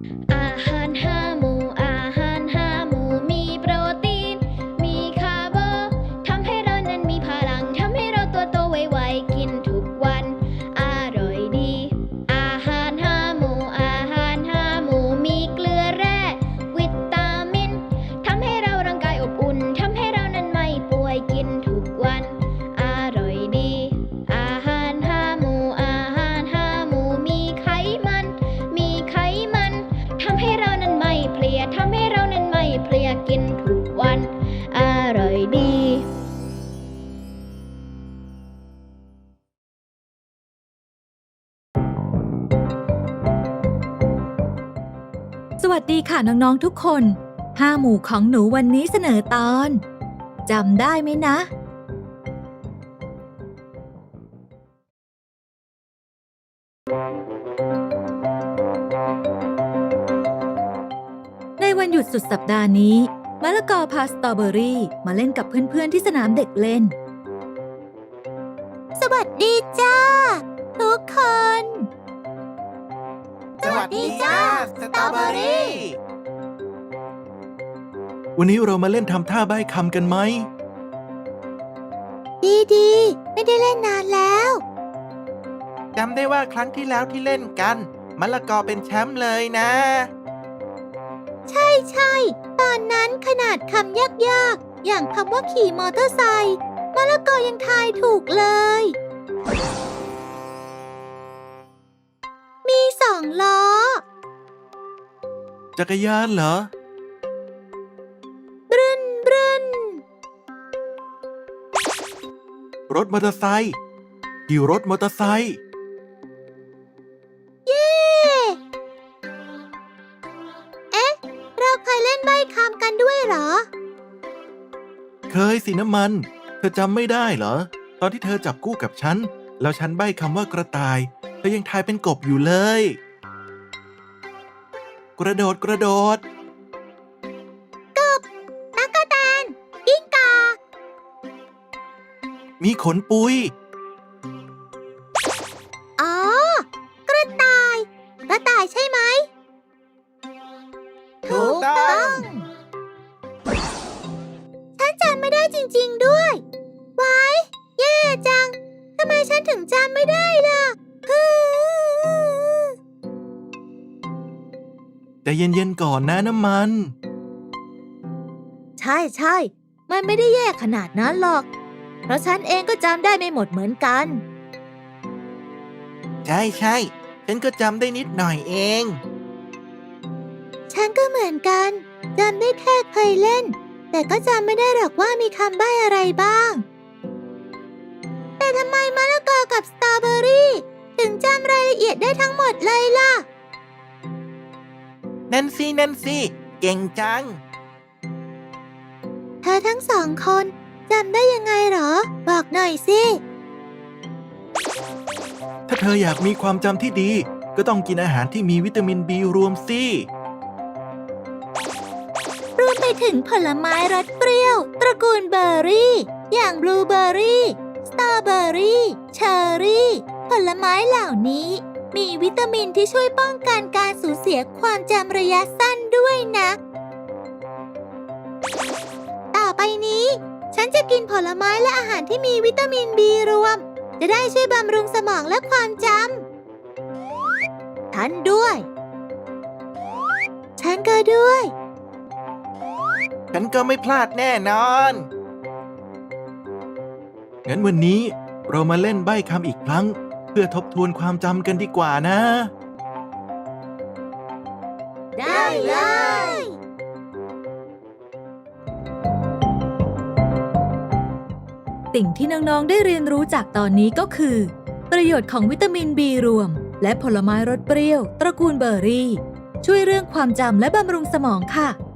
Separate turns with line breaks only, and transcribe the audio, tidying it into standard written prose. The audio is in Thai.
อาหารห้าหมู่อาหารห้าหมู่มีโปรตีนมีคาร์โบทำให้เรานั้นมีพลังทำให้เราตัวโตไวๆกินทุกวันอร่อยดีอาหารห้าหมู่อาหารห้าหมู่มีเกลือแร่วิตามินทำให้เราร่างกายอบอุ่นทำให้เรานั้นไม่ป่วยกินทุกวันอร่อยดีอาหารห้าหมู่อาหารห้าหมู่มีไขมันทำให้เรานั้นไม่เพลียทำให้เรานั้นไม่เพลียกินทุกวันอร่อยดี
สวัสดีค่ะน้องๆทุกคน5หมู่ของหนูวันนี้เสนอตอนจำได้ไหมนะในวันหยุดสุดสัปดาห์นี้มะละกอพาสตรอเบอรี่มาเล่นกับเพื่อนๆที่สนามเด็กเล่นสวัสดีจ้าทุกคน
สวัสดีจ้าสตรอเบอรี่
วันนี้เรามาเล่นทำท่าใบ้คำกันไหม
ดีๆไม่ได้เล่นนานแล้ว
จำได้ว่าครั้งที่แล้วที่เล่นกันมะละกอเป็นแชมป์เลยนะ
ใช่ตอนนั้นขนาดคำยากๆอย่างคำว่าขี่มอเตอร์ไซค์มะละกอยังทายถูกเลยมี2 ล้อ
จักรยานเหรอ
บรึน
รถมอเตอร์ไซค์ขี่รถมอเตอร์ไซค์
เย้เอ๊ะเราเคยเล่นใบ้คำกันด้วยเหรอ
เคยสิน้ำมันเธอจำไม่ได้เหรอตอนที่เธอจับคู่กับฉันแล้วฉันใบ้คำว่ากระต่ายเธอยังทายเป็นกบอยู่เลยกระโดด
กบตั๊กแตนกิ้งก่า
มีขนปุย
อ๋อกระต่ายใช่ไหม
ถูกต้อง
ฉันจำไม่ได้จริงๆด้วยไว้แย่จังทำไมฉันถึงจำไม่ได้ล่ะ
แต่เย็นๆก่อนนะน้ำมัน
ใช่มันไม่ได้แย่ขนาดนั้นหรอกเพราะฉันเองก็จำได้ไม่หมดเหมือนกัน
ใช่ฉันก็จำได้นิดหน่อยเอง
ฉันก็เหมือนกันจำได้แค่เคยเล่นแต่ก็จำไม่ได้หรอกว่ามีคำใบ้อะไรบ้างแต่ทำไมมะละกอกับสตรอเบอรี่ถึงจำรายละเอียดได้ทั้งหมดเลยล่ะ
นั่นสิเก่งจัง
เธอทั้ง2 คนจำได้ยังไงเหรอบอกหน่อยสิ
ถ้าเธออยากมีความจำที่ดีก็ต้องกินอาหารที่มีวิตามินบีรวมสิ
รวมไปถึงผลไม้รสเปรี้ยวตระกูลเบอร์รี่อย่างบลูเบอร์รี่สตรอเบอร์รี่เชอร์รี่ผลไม้เหล่านี้มีวิตามินที่ช่วยป้องกันการสูญเสียความจำระยะสั้นด้วยนะต่อไปนี้ฉันจะกินผลไม้และอาหารที่มีวิตามินบีรวมจะได้ช่วยบำรุงสมองและความจำฉันด้วยฉันก็ด้วย
ฉันก็ไม่พลาดแน่นอน
งั้นวันนี้เรามาเล่นใบ้คำอีกครั้งเพื่อทบทวนความจำกันดีกว่านะ
ได้เลยสิ่งที่น้องๆได้เรียนรู้จากตอนนี้ก็คือประโยชน์ของวิตามินบีรวมและผลไม้รสเปรี้ยวตระกูลเบอร์รี่ช่วยเรื่องความจำและบำรุงสมองค่ะ